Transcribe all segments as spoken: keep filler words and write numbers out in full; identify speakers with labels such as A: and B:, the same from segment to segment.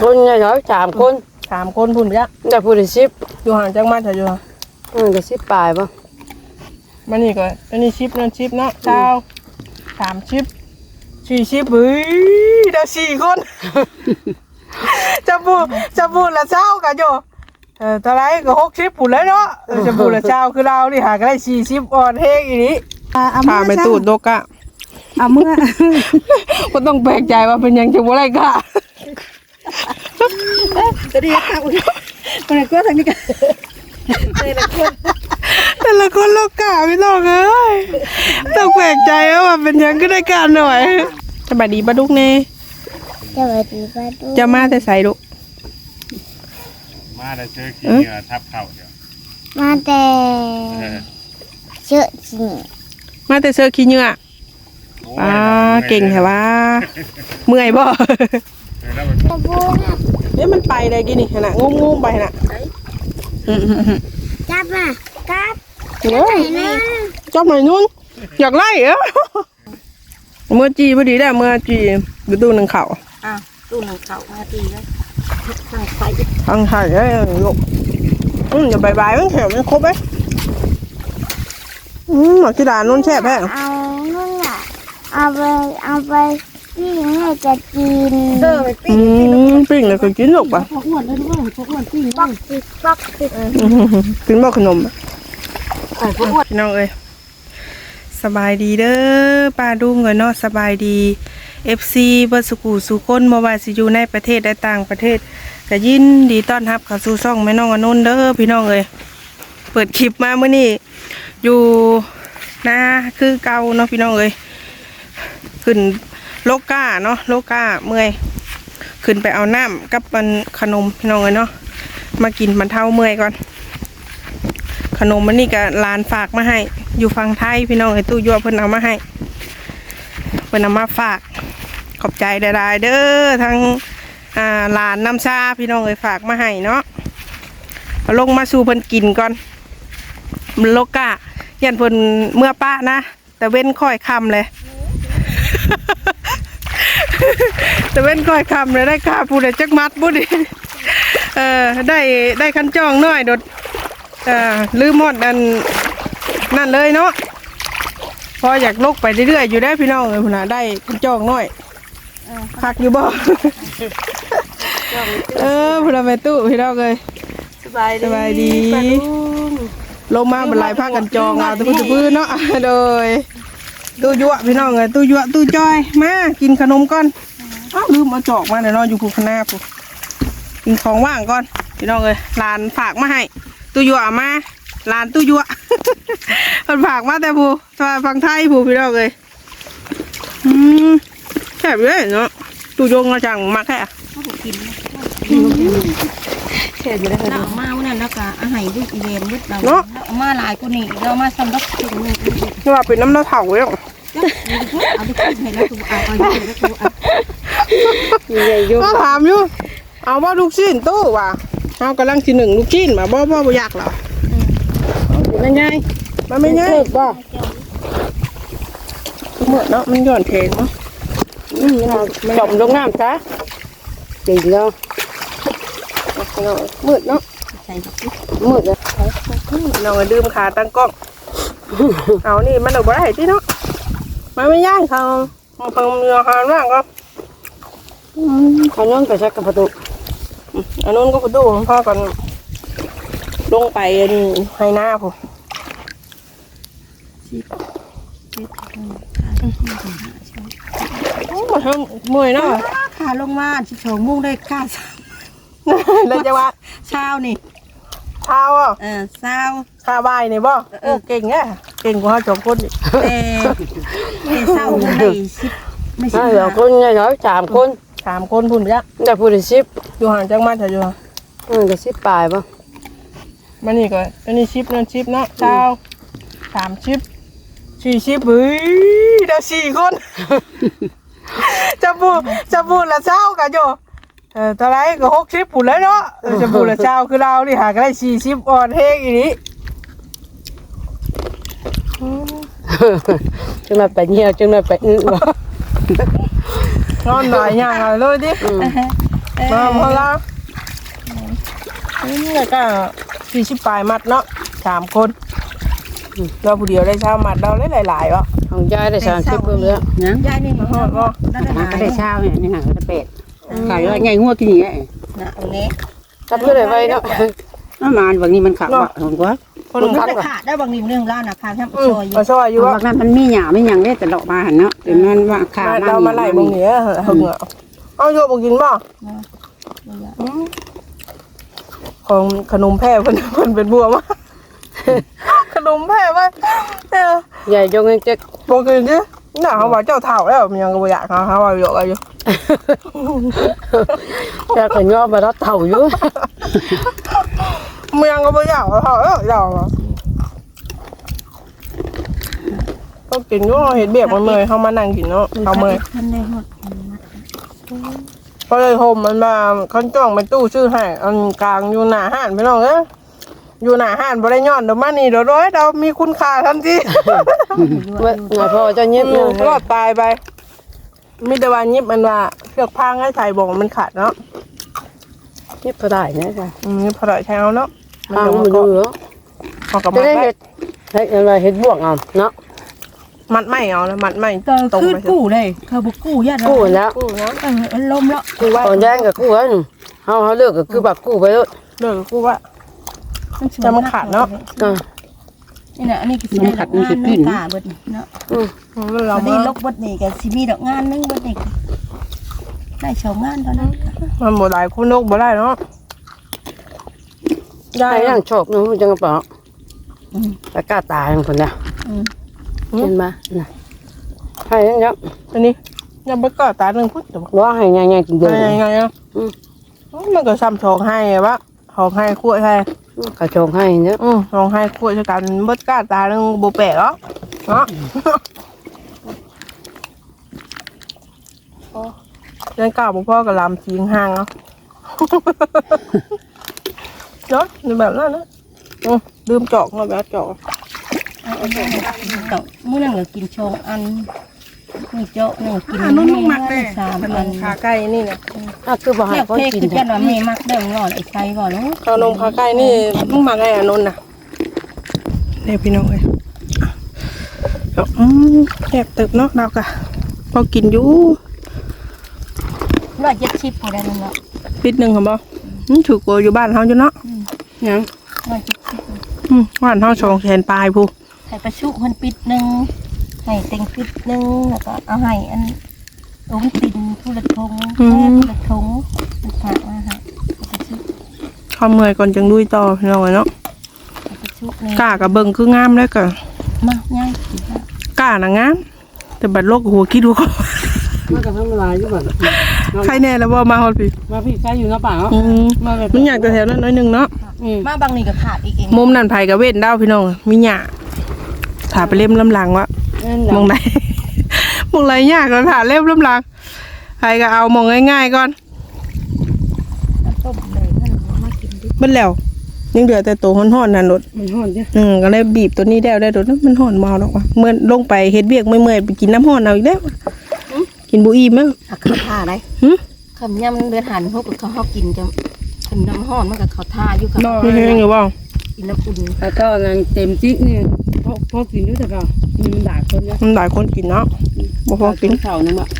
A: คนไงเหรอสามคน
B: สามคนพุ่นไปจ้ะ
A: แต่พูดถึงชิป
B: อยู่ห่างจากมาเถอะอยู่
A: เออจะชิปปลายป่ะ
B: มันนี่ก็อันนี้ชิปนั่นชิปเนาะเช้าสามชิปสี่ชิปเฮ้ยเดี๋ยวสี่คนจะพูดจะพูดละเช้ากันอยู่เออตอนไรก็หกชิปพุ่นเลยเนาะจะพูดละเช้าคือเรานี่หาก็ได้สี่ชิปอ่อนเฮงอีนี้พาไปตูดโดกะ
C: เอาเมื่อ
B: ก็ต้องแปลกใจว่าเป็นยังจะบ่ไรกะ
C: จะดีค่ะคนไหนก็ทางนี้กันแต่ละคน
B: แต่ละคนโลกะไม่ต้องเลยต้องแปลกใจว่าเป็นยังก็ได้การหน่อยสบายดีปะดุกเน่
D: สวัสดีปะดุก
B: จะมาแต่ใส่ดุ
E: มาแต่เจอขี้เหงื่อทับเข่าเดี๋ยว
D: มาแต่เชื่อจริง
B: มาแต่เสื้อขี้เหงื่อป้าเก่งแค่ว่าเมื่อยบ่เนี่ยมันไปได้กี่นี่ขนาดงงงไปขนาด
D: จับมาจับ
B: จับหน่อยนู้นอยากไล่เหรอเมื่อจีพอดีได้เมื่อจีดูตู้หนึ่งเข่า
C: อ่ะตู้หนึ่งเข่ามาตีแล้วทางไฟ
B: ทางไทยได้ลูกอืมอย่าใบใบมันแถวมันครบไหมอืมหมอกีฬานุ่นแช่แพ้
D: เอานุ่นอ่ะเอาไปเอาไปปิ้งให้จะกิน
C: เออไปปิ้ง
B: ปิ้งเลยก็กินลูกป่ะ
C: พวกอ้วนเลยด้วยพวกอ้วนปิ้ง
D: ปักติดปักติด
B: กินบ่ขนมพี่น้องเอ้ยสบายดีเด้อป้าดุ้งเงินเนาะสบายดีเอฟซีเบอร์สกูสุคนมาว่าสิอยู่ในประเทศและต่างประเทศก็ยินดีต้อนรับเข้าสู่ช่องแม่น้องอนุนเด้อพี่น้องเอ้ยเปิดคลิปมาเมื่อนี้อยู่นาคือเก่าเนาะพี่น้องเอ้ยขึ้นโลก้าเนาะโลก้าเมื่อยขึ้นไปเอาน้ำกับมันขนมพี่น้องเอ้ยเนาะมากินมันเท่าเมื่อยก่อนขนมมันนี่ก็ลานฝากมาให้อยู่ฝั่งไทยพี่น้องไอ้ตู้ยั่วเพิ่นเอามาให้เพิ่นเอามาฝากขอบใจได้ๆเด้อทั้งอ่าลานน้ำชาพี่น้องไอ้ฝากมาให้เนาะเอาลงมาสู่เพิ่นกินก่อนมันโลกะยันเพิ่นเมื่อป้านะแต่เว้นค่อยคำเลยแต่เว้นค่อยคำเลยได้ค่าผู้ใดจักมัดบุดิเออได้ได้คันจ้องน้อยโดดอ่าลืมหมดอันนั่นเลยเนาะพออยากลกไปเรื่อยๆอยู่ได้พี่น้องเลยพุ่นน่ะได้คันจ้องน้อยคักอยู่บ่เออพุ่นน่ะแม่ตู้พี่น้องเลย
C: สบายดี
B: สบายดีลงมาบรรลัยพากันจองเอาตะพื้นตะพื้นเนาะโดยตู้ยั่วพี่น้องเลยตู้ยั่วตู้จอยมากินขนมก่อนอ้าวลืมเอาจอกมาเดี๋ยวน้องอยู่ภูคณาปุ๊บกินของว่างก่อนพี่น้องเลยหลานฝากมาให้ตู้ยั่วมาหลานตู้ยั่วมันฝากมาแต่ผู้ฟังไทยผู้พี่น้องเลยอืมแซ่บเลยเนาะตู้ยงมาจังมาแค่
C: เสร็จแล้วเรามาวันนั้นแล้วก็อาหารด้วยอีเวนต์ด้วยเราเอามาหลายคนนี่เรามาซ้ำรับถึงมือ
B: นี่ว่าเป็นน้ำเน่าเถาเลย
C: เอาไปกินให้แล้วตัวเอาเอาอยู่แล้วตัวเอา
B: ใหญ่ยุ่งถามอยู่เอาว่าลูกชิ้นตู้ว่ะเอากำลังทีหนึ่งลูกชิ้นมาบ่บ่บ่อยากหรอไม่ง่ายมันไม่ง่ายบ่เหมือนเนาะมันหย่อนเพลงเนาะจมลงน้ำซะจริงเนาะมืดเนาะมืดเลยน้องดื่มขาตั้งกล้องเอานี่มันเอาบ่ได้ที่เนาะมันไม่ย่างเขาเอาเพิ่มเนื้อหานว่างก็
A: เขาโน้นไปชักกับประตู
B: อันนู้นก็ประตูของพ่อก่อนลงไปให้หน้าผมโอ้มาทำมวยเนาะ
C: ขาลงมาชิโฉมุ่งได้ก้า
B: เลยจะว่า
C: เช้านี่
B: เช้าอ่ะ
C: เออเช้า
B: เช้าบ่ายนี่บ่โอ้เก่งแง่เก่งกว่าสองคนนี่
C: เออเช้าได้สิบ
A: ไม่ใช่เหรอคนไงเหรอสามคน
B: สามคนพุ่นไปจ้ะ
A: แต่พูดถึงชิป
B: อยู่ห่างจากมาเถอะอยู่
A: เออจะชิปปลายป่ะ
B: มันนี่ก็อันนี้ชิปนั่นชิปเนาะเช้าสามชิปสี่ชิปเฮ้ยเดี๋ยวสี่คนจะพูดจะพูดละเช้ากันอยู่เออตอนไรก็หกชิปผุนเลยเนาะจะพูดละเช้าคือเรานี่หาก็ได้สี่ชิปอ่อนเฮงอีนี้
A: จึงมาไปเหี่ยวจึงมาไปอื้อบ่
B: นอนหน่อยย่างเลยดิ
C: เอ
B: มาพอละนี่ก็สี่สิบปลายมัดเนาะสามคนเราผู้เดียวได้เช้ามัดเราได้หลายๆวะ
A: ของยายได้สามสิบเพิ่มแล้ว
F: นะ
C: ยายนี่มาฮอดบ่ได้ได้
F: มัน
C: หา
F: ก็
C: ย
F: ได้เช้าเนี่ยนี่ห่างก็เป็ดขายว่าไงงัวกินอย่างเงี้ย
C: นะตรงนี้
A: จับก็ได้ไว้เนาะ
F: น้ำมันบางนี้มันขับว่ะผมว่า
B: คน
C: มัน
B: ขับ
C: ได้
B: อ่ะ
C: ขาดได้บางนิ่มเรื่องร้านน่ะขาดแค่
B: อืม
C: ซอยอยู่
B: มาซอยอยู่วะ
F: บางนั้นมันมีหยาไม่ยังได้แต่ดอกมาหันเนาะแต่มันว่าขามา
B: เรามาไล่บางเหนือเหงาเอาโยบกินบ่ของขนมแพร่เพิ่นเพิ่นเป็นบัวมาขนมแพร่ว่าเออ
A: ใหญ่จงเงินเจ๊ก
B: บ่กินดิน่ะเขาว่าเจ้าเฒ่าแล้วมันยังก็บ่อยากเขาเขาว่าอยู่ก็อยู่
A: จะขย่อมารับเต่าอยู่
B: มันยังก็บ่อยากเขาเฒ่าแล้วอยากก็กินอยู่เฮ็ดเบียกมันเมื่อยเฮามานั่งกินเนาะเอาเมื่อย
C: ท่านได้ฮอด
B: ก็เลยโฮมมันมาคันจ้องเป็นตู้ชื่อให้อันกลางอยู่หน้าห้านพี่น้องเอ้ยอยู่หน้าห้านบ่ได้ย้อนเดี๋ยวมานี่เดี๋ยวร้อยเรามีคุณค่าทันที
A: เมื่อไงพ่อเจ้าเงียบ
B: อื
A: เนี่ย
B: มรอดตายไปมีแต่ว่ายิบมันว่าเชือกพางให้ใส่บ่งมันขาดเนาะ
A: เงียบก็ได้นะจ๊ะ
B: อืมพอได้ใช้เอาเนาะมัน
A: ทาง
B: จะ
A: มันอยู่เนาะ
B: เอากับ
A: จะ
B: มัด
A: ได้
B: ไว้
A: เห็ดเห็ดอะไรเห็ดบวกเอาเนาะ
B: มัดไม่เอาแล้วมัดไม่
C: ก็
B: ตรง
C: คือ
B: ไป
C: กู้เลยเขาบ่กู้ญาติ
A: กู้แล้ว
B: กู้นะ
C: เออลมแล้ว
B: กู้ไว้
A: ตอนแย่งกับกู้กันเฮาเฮาเลิกก็คือแบบกู้ไปแล้ว
B: เลิกกู้ไว้จะมันขาดเนาะ
A: อ่า
C: นี่น่ะอันนี้ก็สิได้ดอกงานนึงตาเบิดเนาะ
A: อืม
B: เรา
C: เรา
B: มา
C: ได้ลกเบิดนี่ก็สิมีดอกงานนึงเบิดนี่ได้ชาวงานเท่านั้น
B: มันบ่ได้คุณนกบ่ได้เนาะ
A: ได้ยังโชคเนาะมันจังกระเป๋าตะกร้าตายของคนเนี่ยเห็นมาน่ะให้ยังยัง
B: อันนี้ยังบ่ก็ตาหนึงพุ่นเดี๋ยว
A: ว่าให้ยังยังกินเดือด
B: ยังไงอ่ะมันก็ซ้ำสองให้วะสองให้คั่วให้
A: กระโจงให้เนาะ
B: อืมสองให้คั่วชะกันเบิดก้าตาหนึงบ่แปลกเนาะเนาะยังกล้าบ่พอกับลำสีห่างเนาะเนาะนี่แบบนั้นนะอืมลืมจอกมาแบบจอก
C: ต่อมื้อนั้นก็กินชงอันนี่เจาะนึงกิน
B: นุ่มมากเลย
C: สาม
B: ขน
C: อัน
B: มขาไก่นี่นะ
A: อ่ะคือบ่ให้
C: เรียก
A: คน
C: เพก
A: กิน
C: คือ
A: แท้
C: จันว่าแม่มักเด้งอนไอ้ไส้ก่อนเนาะ
B: ขนมขาไก่นี่มึงมาไงอ่ะนนท์น่ะเนี่ยพี่น้องเลยเอาอืมแซ่บตึกเนาะเรากะพอกินอยู่
C: ร้อยเจ็ดสิบพอได้นั่นเนาะ
B: ปิดหนึ่งครับบ่อืมถือกลัวอยู่บ้านเฮาอยู่เนาะ
A: ยัง
C: ร้อยเจ็ดสิบ
B: อืมบ้านเฮาสองแสนปลายผู้
C: ให้ประชุเพิ่นปิดหนึงให้เต็งปิดหนึงแล้วก็เอาให้อันอุ้มตินผู้ละทงแม่ผู้ละทงมันฝากมาให้ประชุ
B: ข้าเมื่อยก่อนจังดุยต่อพี่น้องเนาะ
C: ประชุนี่
B: กล้ากับเบิ่งคืองามเลยกะ
C: มาง่ายสิฮะ
B: กล้าน่ะงามแต่บัดโลกหัวคิดหัว
A: มันก็ทำลายอยู่บ่
B: ใครแน่แล้วบ่มาฮอดพี่
A: มาพี่ใช้อยู่เนาะป่าเนาะ
B: อืม
A: มาแบบ
B: มันอยากจะแถวนั้นน้อยหนึงเนาะ
A: อืม
C: มาบางนี่ก็ขาดอีกเอง
B: มุมนั่นไผกับเว้นดาวพี่น้องมีหญ้าถาไปเล่มลำหลังวะ มองไหน มองไรยากแล้วถ่าเล่มลำหลังไผก็เอามองง่ายๆก่อน
C: ต้มเลยนั่นมากินดิ
B: เบิ่นแล้วยังเหลือแต่ตัวฮ้อนๆนั่นรถ
A: มันฮ้อนจ้ะ
B: อืมก็เลยบีบตัวนี้แล้วได้รถมันฮ้อนเมาดอกว่ะเมื่อลงไปเฮ็ดเวียกเมื่อยๆไปกินน้ำฮ้อนเอาอีกแล้วกินบุอีมั้ง
C: อ่ะข้าวท่าได้
B: หึ
C: คำย่ำเดือดหันพวกเขาเขากินจะกินน้ำห้อนมันกับเขาท่าอยู่กับ
B: มีแห้งอยู่บ่
C: กินแล้วอุ่น
A: แล้วก็นั่นเต็มจิ๊กนี่พอพอกินอยู่แต่ก็มันด่าคนเนาะ
B: มันหลายคนกินเนาะบ่พอกิน
A: เช้านึงบ่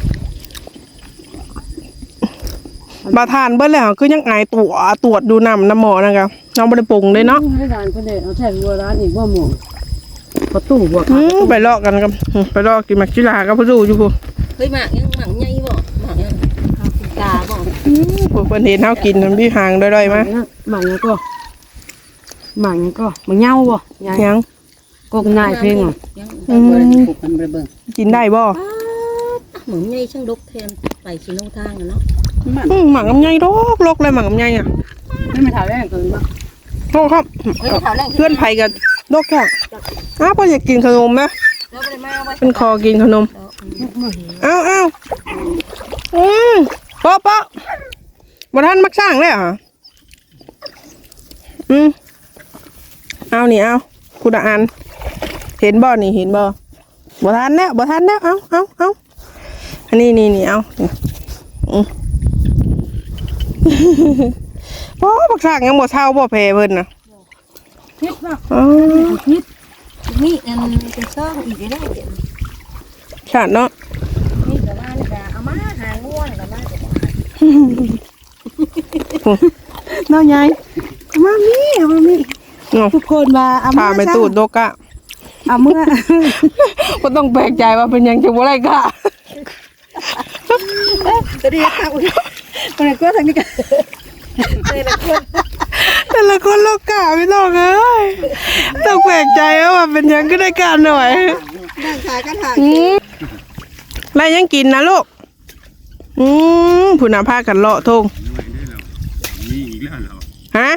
B: บาทานเบิ่แล้วคือยังอายตัวตรวจดูน้ำน้ำหมอนะครับน้องบ่ได้ปรุงเลยเนาะ
A: ให้ร้านคนเด้เอาแท้วัวร้านอีกบ่หม่งประตูบ่
B: อืมไปลอกกันกับอืมไปลอกกินมักจิลากับผู้ดูอยู่พุ่น
C: เฮ้ยหมากยังหมากใหญ่บ่หมากยังข้าวกินกาบ่
B: อืมพวกเพิ่นเห็นเฮากินมันมีหางด้อยๆมา
A: หมังยังก็หมังยังก็มันเหงาบ่ยาย
B: ยัง
A: กกนายเพลงอ่ะ
C: ยัง
B: อืม
A: ปลูกกันเบิ่ง
B: กินได้บ่
C: เหมือนใหญ่ช่างดกแทนไปชิโนทางอะเนาะ
B: อืมหมักลำไยดอกลกเลยหมักลำไยอ่ะ
A: ไม่มาถามแรกเกินบ่
B: โทษครับ
C: เฮ้ยแถวแรก
B: เพื่อนไผกับดอกแค่อ้าวพออยากกินขนมนะ
C: แล้วไปเลยมาไว้
B: เป็นคอกินขนมอ้าวอ้าวอืมปะปะบ่ทันมักสร้างเลยเหรอ่ะอืมเอานี่เอาคุณอ่านเห็นบ่นี่เห็นบ่บ่ทันแล้วบ่ทันแล้วเอาเอาเอาอันนี้นี่นี่เอาอืมพ่อบักสร้างยังบ่เท่าบ่แพ้เพิ่นน่ะ
C: คิดว่า
B: อ๋อ
C: คิดนี่อันเป็นซ่องอีกได้เดี๋ยว
B: ชาติเนาะ
C: นี่ก็ว่านี่ก็เอามาหาง่วนก็มาจะบอก
A: น้องใหญ่มามีมามี
B: เนาะ
A: ทุกคนมาเอา
B: พา
A: มา
B: ไปตูดโดกะ
A: เอาเมื่อ
B: บ่ต้องแปลกใจว่าเป็นหยังจังบ่ได้กะ
A: จะดีค่ะคนนี้ก็ทางนี้กัน
B: แต่ละคนโลกะพี่น้องเอ้ยต้องแปลกใจว่าเป็นหยังก็ได้การหน่อย
A: นั่งขายกันหา
B: อืมแล้วยังกินนะลูกอืมผู้นำพากันเลาะทง
E: มีอีกแล้วเหรอ
B: ฮะ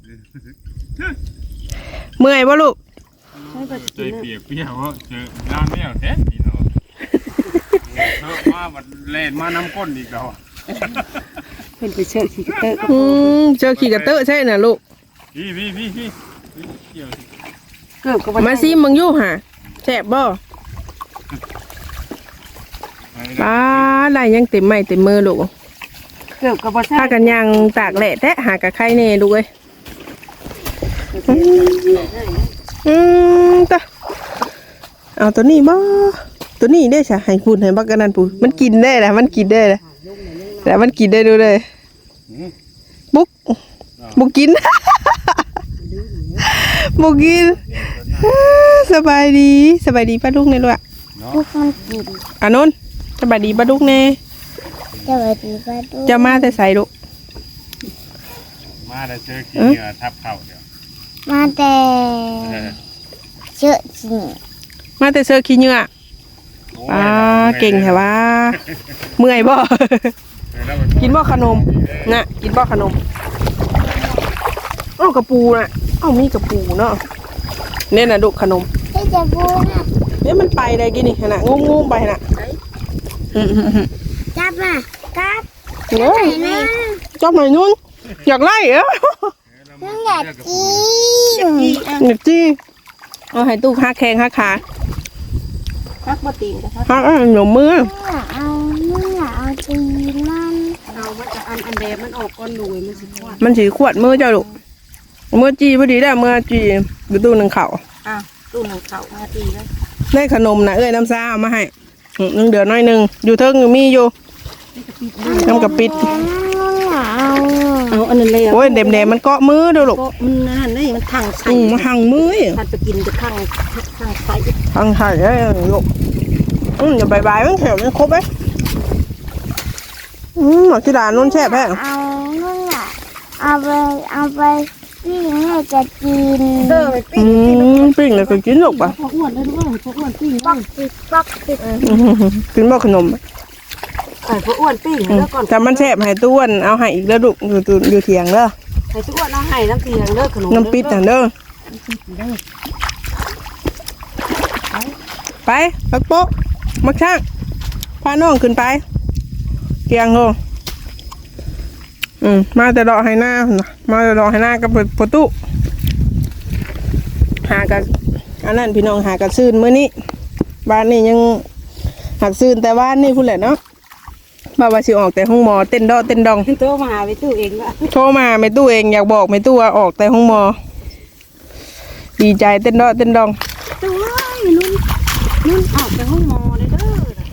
B: เมื่อยบ่ลูก
E: ใจเปียกเปียกว่าเจอร้านแมวแท้ดีเนาะเธอมาบัดเล่นมาน้ำก้นอีกแล้ว
A: เป็นไปเชิญขี่เตอร์
B: อืมเจอขี่กระเตอะใช่น่ะลูก
E: พี่พี่พี่พี่เกี่ยว
A: เกือบกับ
B: มาซิมึงอยู่หะแซ่บบ่ปลาได้ยังเต็มไม้เต็มมือลูก
A: เกือบกับบ่ใช่
B: ถ้ากันยังตากแหละแทะหากะไข่เน่ลูกเอ้ยอืมตะเอาตัวนี้บ่ตัวนี้ได้ใช่ให้พูดให้บักกันนั่นพูดมันกินได้แหละมันกินได้แหละแต่มันกินได้ดูเลยบุกบุกกิน บุกกินสบายดีสบายดีป้าลูกเนี่ยลูกอะ
D: ทุกคนกิน
B: อ่ะนนท์สบายดีป้าลูกเนี่ย
D: สวัสดีป้าดู
B: จะมาแต่ใส่ลูก
E: มาแล้วเจอขี้เหงื่อทับเข่าเดี๋ยว
D: มาแต่เชื่อจริง
B: มาแต่เสื้อขี้เหงื่ออ่าเก่งแค่ว่าเมื่อยบ่ กินบ่ขนมน่ะกินบ่ขนมอ้าวกระปูน่ะอ้าวมีกระปูเนาะเนี่ยน่ะลูกขนม
D: ที่จะพูดนะ
B: เนี่ยมันไปได้กี่นี่ขนาดงูๆไปน่ะอืม
D: จับมาจับ
B: ๆเฮ้ย
D: ไหนนะ
B: จอบหน่อยนุ่นอยากไล่เหรอ
D: น้องอยากกิน
B: อยากจี้เอาให้ตู้หักแข้งหักขา
C: พักบ่ตีนก็พัก
B: หักเอาหนูมือ
D: น้องอยากเอาน้องอยากเอาตีนมัน
A: เอามันจะอันอันแดงมันออกก้อนหนุ่ยมันสิควาด
B: มันสีขวดมือเจ้าลูกมือจี้พอดีได้มือจี้ดูตู้หนึ่งเข่า
C: อ้าวตู้หนึ่งเข่ามาตีแล้ว
B: ได้ขนมนะเอ้ยน้ำซ่าเอามาให้อืมนึงเดือน้อยหนึ่งอยู่เทิงอยู่มีอยู่น้ำกระปิด
D: น้องอยากเอา
A: เอาอันนั้นเลย
B: โอ้ยเด็มๆมันเกาะมือเด้อลูก
A: ก็มันนั่นนี่มันทางใส่
B: อืมมาหังมือ
A: ถ้าจะกินจะทางทางใส่
B: หังไข่ได้ลูกอืมอย่าบายๆมันแถวมันครบไหมอืมหมอกที่ด่านนุ่นแช่บแพ้
D: เอาน้องอยากเอาไปเอาไปพี่แม่จะกิน
A: เด้อไป
B: อืมปิ้งเลยก็กินลูกป่ะ
A: พออ้วนเลยด้วยพออ้วนปิ้ง
D: ปักติดปักติด
B: อืมกินบ่ขนม
A: ไอ้พออ้วนปิ้ง
B: อืม
A: แล้วก่อน
B: แต่มันแช่บให้ต้วนเอาให้อีกแล้วลูกอยู่ตู้อยู่เถียงเด้อ
A: ไอ้ตัวอ้วนเอาให้น้ำเตียงเด้อขนม
B: น้ำปิดน่ะเด้อไปปักโป๊ะมักช่างพาน้องขึ้นไปเกียงโงอืมมาแต่ดอกให้หน้าน่ะมาแต่ดอกให้หน้ากับประตูหากันอันนั้นพี่น้องหากันซื่นมื้อนี้บ้านนี้ยังหักซื่นแต่บ้านนี่พูดแหละเนาะมาว่าสิออกแต่ห้องหมอเต้นดอเต้นดอง
A: ตัวมาหาไปตู้เองละ
B: โทรมาไม่ตู้เองอยากบอกไม่ตู้ว่าออกแต่ห้องหมอดีใจเต้นดอเต้นดอง
A: ตัวนุ่นนุ่นออกไปห้องหมอเลยเด้อ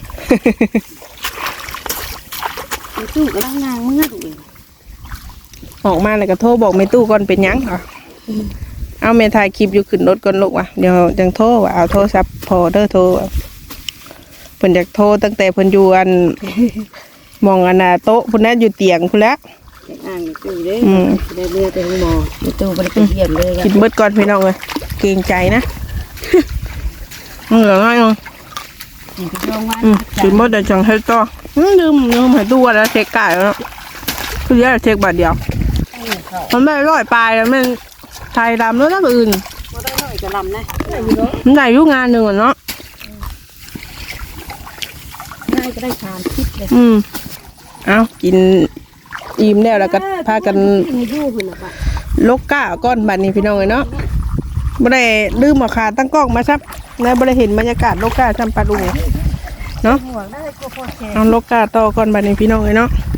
A: ไปตู้กำลังนางเมื่อดูเอง
B: ออกมาแล้วก็โทรบอกไม่ตู้ก่อนเป็นหยังค่ะเอาเมถ่ายคลิปอยู่ขึ้นรถก่อนลูกว่ะเดี๋ยวจังโทรว่าเอาโทรศัพท์พอเด้อโทรว่ะเพิ่นอยากโทรตั้งแต่เพิ่นอยู่อัน มองอันน่ะโต๊ะพุ่นน่ะอยู่เตียงพุ่นแล้ว
A: อ่างตู้เด้
B: อืม
A: ได้เรือไปห้องหมอไปตู้ไปไปเยี่ยมเลย
B: กินเบิดก่อนพี่น้องเลยเกรงใจนะ เหลือง่ายมั้ง
A: กินไปโรงพยาบาล
B: อืมกินเบิดเดี๋ยวจังให้ต่ออืมลืมลืมให้ตู้ว่าแล้วเช็คไก่แล้วคือแค่เช็คบาทเดียวมันไม่ร้อยปลายแล้วมันไทยดำแล้วนะอื่น
A: ก็ได้หน่อยจะลำนะ
B: มันได้อยุ่งานหนึ่งอะเนาะ
A: ง่ายก็ได้ทานคิดเลย
B: อืมเอากินอิ่มแล้วแล้วก็พากัน
A: มียู่หุ่นอ่ะปะ
B: ลกก้าก้อนบัดนี้พี่น้องเลยเนาะไม่ได้ลืมเอาขาตั้งกล้องมาซับนะไม่ได้เห็นบรรยากาศลกก้าจำปาดุงเนาะ
A: ห่วงได้ก็พอแค่
B: เอาลกก้าต่อก้อนบัดนี้พี่น้องเลยเนาะ